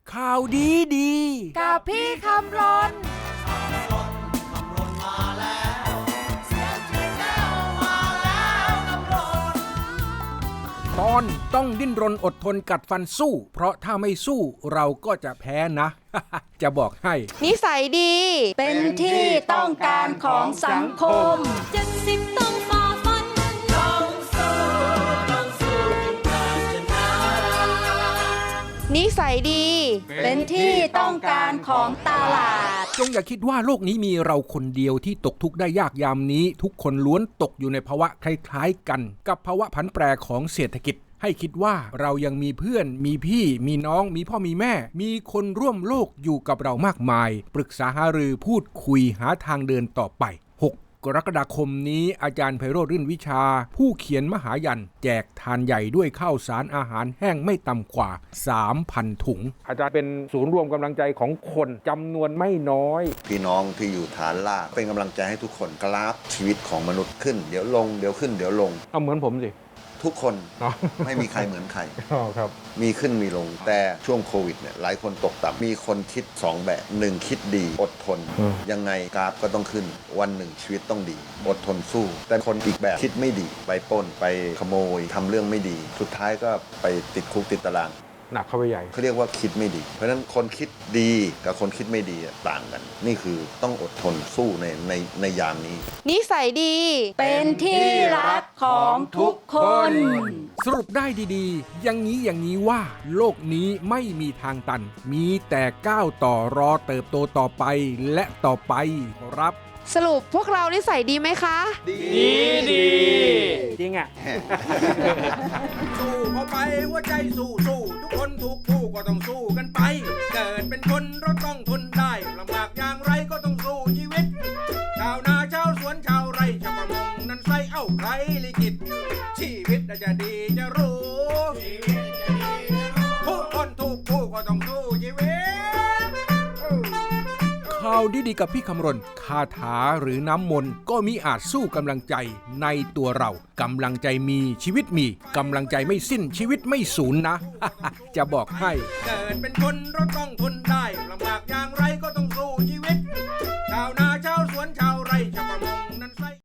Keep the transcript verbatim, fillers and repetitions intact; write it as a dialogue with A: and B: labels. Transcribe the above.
A: ข่าวดีดี
B: กับพี่คำรน
A: ตอนต้องดิ้นรนอดทนกัดฟันสู้ เพราะถ้าไม่สู้เราก็จะแพ้นะ จะบอกให้
B: นิสัยดีเป็นที่ต้องการของสังคม
C: เจ็ดสิบต้องฝ่าฟันต้องสู้ต้องสู้ถึงการชนะ
B: นิสัยดีเป็นที่ต้องการของตลาด
A: จงอย่าคิดว่าโลกนี้มีเราคนเดียวที่ตกทุกข์ได้ยากยามนี้ทุกคนล้วนตกอยู่ในภาวะคล้ายๆกันกับภาวะผันแปรของเศรษฐกิจให้คิดว่าเรายังมีเพื่อนมีพี่มีน้องมีพ่อมีแม่มีคนร่วมโลกอยู่กับเรามากมายปรึกษาหารือพูดคุยหาทางเดินต่อไปหกกรกฎาคมนี้อาจารย์ไพโรจน์รื่นวิชาผู้เขียนมหายันแจกทานใหญ่ด้วยข้าวสารอาหารแห้งไม่ต่ำกว่า สามพัน ถุงอาจารย์เป็นศูนย์รวมกำลังใจของคนจำนวนไม่น้อย
D: พี่น้องที่อยู่ฐานล่างเป็นกำลังใจให้ทุกคนกราฟชีวิตของมนุษย์ขึ้นเดี๋ยวลงเดี๋ยวขึ้นเดี๋ยวลง
A: เอาเหมือนผมสิ
D: ทุกคนไม่มีใครเหมือนใคร
A: ครับ
D: มีขึ้นมีลงแต่ช่วงโควิดเนี่ยหลายคนตกต่ำมีคนคิดสองแบบหนึ่งคิดดีอดทนยังไงกราฟก็ต้องขึ้นวันหนึ่งชีวิตต้องดีอดทนสู้แต่คนอีกแบบคิดไม่ดีไปปล้นไปขโมยทำเรื่องไม่ดีสุดท้ายก็ไปติดคุกติดตาราง
A: หนักเข้าไปใหญ่
D: เขาเรียกว่าคิดไม่ดีเพราะฉะนั้นคนคิดดีกับคนคิดไม่ดีต่างกันนี่คือต้องอดทนสู้ในในในยามนี้
B: นิสัยดีเป็นที่รักของทุกคน
A: สรุปได้ดีๆอย่างนี้อย่างนี้ว่าโลกนี้ไม่มีทางตันมีแต่ก้าวต่อรอเติบโตต่อไปและต่อไปครับ
B: สรุปพวกเรานิสัยดีไหมคะ
A: ดีดีจริงอ่ะ สู้เข้าไปหัวใจสู้สู้ทุกคนทุกผู้ก็ต้องสู้กันไปเกิดเป็นคนเราต้องทนได้ลำบากอย่างไรก็ต้องสู้ชีวิตชาวนาชาวสวนชาวไร่ชาวประมงนั้นใส่เอ้าใครลิขิตชีวิตจะดีจะรู้ทุกคนทุกผู้ก็ต้องสู้ชีวิตข่าวดีๆกับพี่คำรณคาถาหรือน้ำมนต์ก็มีอาจสู้กำลังใจในตัวเรากำลังใจมีชีวิตมีกำลังใจไม่สิ้นชีวิตไม่สูญนะ จะบอกให้เกิดเป็นคนเราต้องทนได้ลำบากอย่างไรก็ต้อง